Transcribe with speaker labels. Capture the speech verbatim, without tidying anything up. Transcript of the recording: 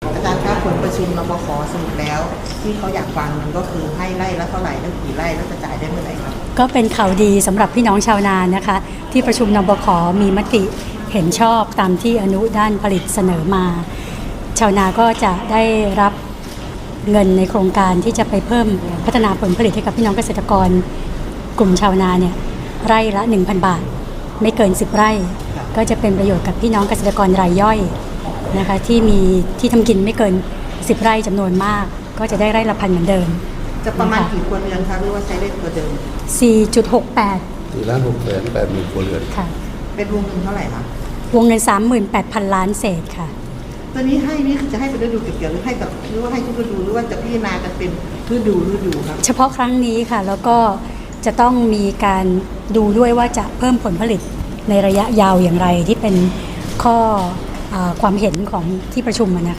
Speaker 1: อาจารย์ครับผลประชุมนปข.สรุปแล้วที่เขาอยากฟังมันก็คือให้ไร่ละเท่าไหร่แล้วกี่ไร่แล้วจะจ่ายได้เมื่อไหร่ครับ
Speaker 2: ก็เป็นข่าวดีสำหรับพี่น้องชาวนานะคะที่ประชุมนปข.มีมติเห็นชอบตามที่อนุด้านผลิตเสนอมาชาวนาก็จะได้รับเงินในโครงการที่จะไปเพิ่มพัฒนาผลผลิตให้กับพี่น้องเกษตรกรกลุ่มชาวนาเนี่ยไร่ละ หนึ่งพัน บาทไม่เกินสิบไร่ก็จะเป็นประโยชน์กับพี่น้องเกษตรกรรายย่อยนะคะที่มีที่ทำกินไม่เกินสิบไร่จำนวนมากก็จะได้ไร่ละพันเหมือนเดิม
Speaker 1: จะประมาณกี่ครัวเรือนคะหรือว่าใช้ได้ตัวเดิม
Speaker 2: สี่จุดหกแปด
Speaker 3: สี่ล้านหกแสนแปดหมื่นครัวเรือน
Speaker 2: ค่ะ
Speaker 1: เป็นวงเงินเท่าไหร่คะ
Speaker 2: วงเงิน สามหมื่นแปดพัน ล้านเศษค่ะ
Speaker 1: ตัวนี้ให้นี่คือจะให้เป็นฤดูเก็บเกี่ยวหรือให้แบบหรือว่าให้ทุกฤดูหรือว่าจะพิจารณากันเป็นฤดูฤดูครับ
Speaker 2: เฉพาะครั้งนี้ค่ะแล้วก็จะต้องมีการดูด้วยว่าจะเพิ่มผลผลิตในระยะยาวอย่างไรที่เป็นข้อความเห็นของที่ประชุมนะคะ